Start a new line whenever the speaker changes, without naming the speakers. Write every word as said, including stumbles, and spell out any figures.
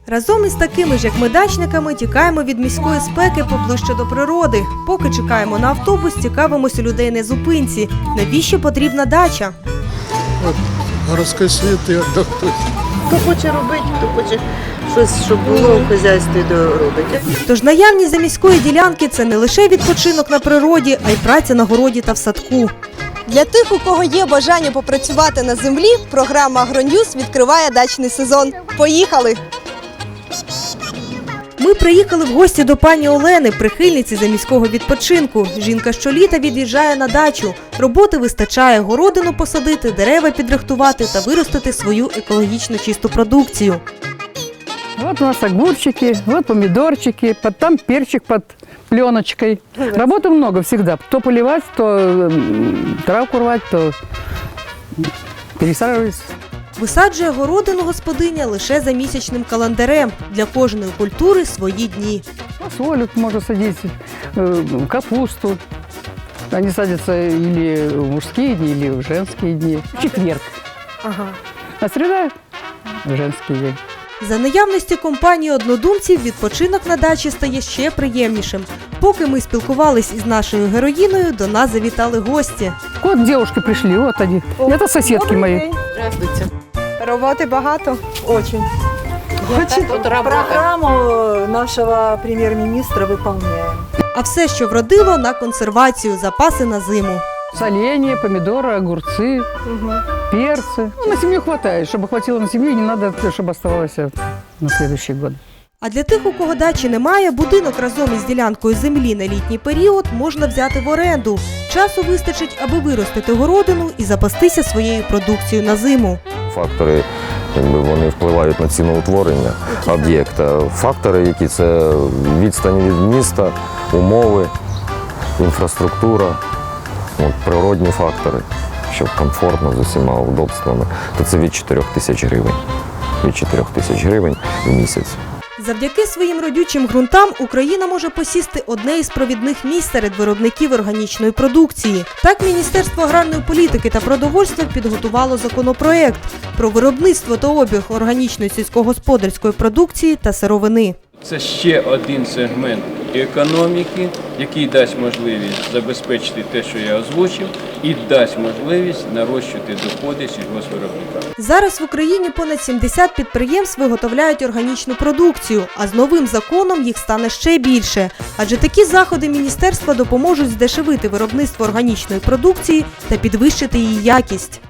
Разом із такими ж, як ми, дачниками, тікаємо від міської спеки поближче до природи. Поки чекаємо на автобус, цікавимося у людей на зупинці. Навіщо потрібна дача?
От, городський світ і віддохнути.
Хто хоче робити, хто хоче щось, щоб було в хазяйстві, то робить.
Тож наявність за міської ділянки – це не лише відпочинок на природі, а й праця на городі та в садку.
Для тих, у кого є бажання попрацювати на землі, програма «Агроньюз» відкриває дачний сезон. Поїхали!
Ми приїхали в гості до пані Олени, прихильниці заміського відпочинку. Жінка щоліта від'їжджає на дачу. Роботи вистачає – городину посадити, дерева підрихтувати та виростити свою екологічно чисту продукцію.
Вот у нас огурчики, вот помидорчики, под, там перчик под пленочкой. Работы много всегда. То поливать, то м, травку рвать, то пересаживать.
Висаджує городину господиня лише за місячним календарем. Для кожної культури свої дні.
Фасолю можно садить, э, капусту. Они садятся или в мужские дни, или в женские дни. В четверг.
Ага.
А среда – женский день.
За наявності компанії однодумців відпочинок на дачі стає ще приємнішим. Поки ми спілкувались із нашою героїною, до нас завітали гості.
Вот девушки пришли, вот они. Это соседки мои.
Здравствуйте.
Роботи багато?
Очень. Очень. Программу нашего премьер-министра выполняем.
А все, що вродило, на консервацію, запаси на зиму.
Соленья, помидоры, огурцы, перцы. Ну, на семью хватает. Чтобы хватило на семью, не надо, чтобы оставалось на следующий год.
А для тих, у кого дачі немає, будинок разом із ділянкою землі на літній період можна взяти в оренду. Часу вистачить, аби виростити городину і запастися своєю продукцією на зиму.
Фактори, якби, вони впливають на ціноутворення об'єкта. Фактори, які це відстань від міста, умови, інфраструктура, от, природні фактори, щоб комфортно з усіма удобствами, то це від чотирьох тисяч гривень. Від чотирьох тисяч гривень в місяць.
Завдяки своїм родючим ґрунтам Україна може посісти одне із провідних місць серед виробників органічної продукції. Так, Міністерство аграрної політики та продовольства підготувало законопроект про виробництво та обіг органічної сільськогосподарської продукції та сировини.
Це ще один сегмент економіки, який дасть можливість забезпечити те, що я озвучив, і дасть можливість нарощувати доходи сільгоспвиробника.
Зараз в Україні понад сімдесят підприємств виготовляють органічну продукцію, а з новим законом їх стане ще більше. Адже такі заходи міністерства допоможуть здешевити виробництво органічної продукції та підвищити її якість.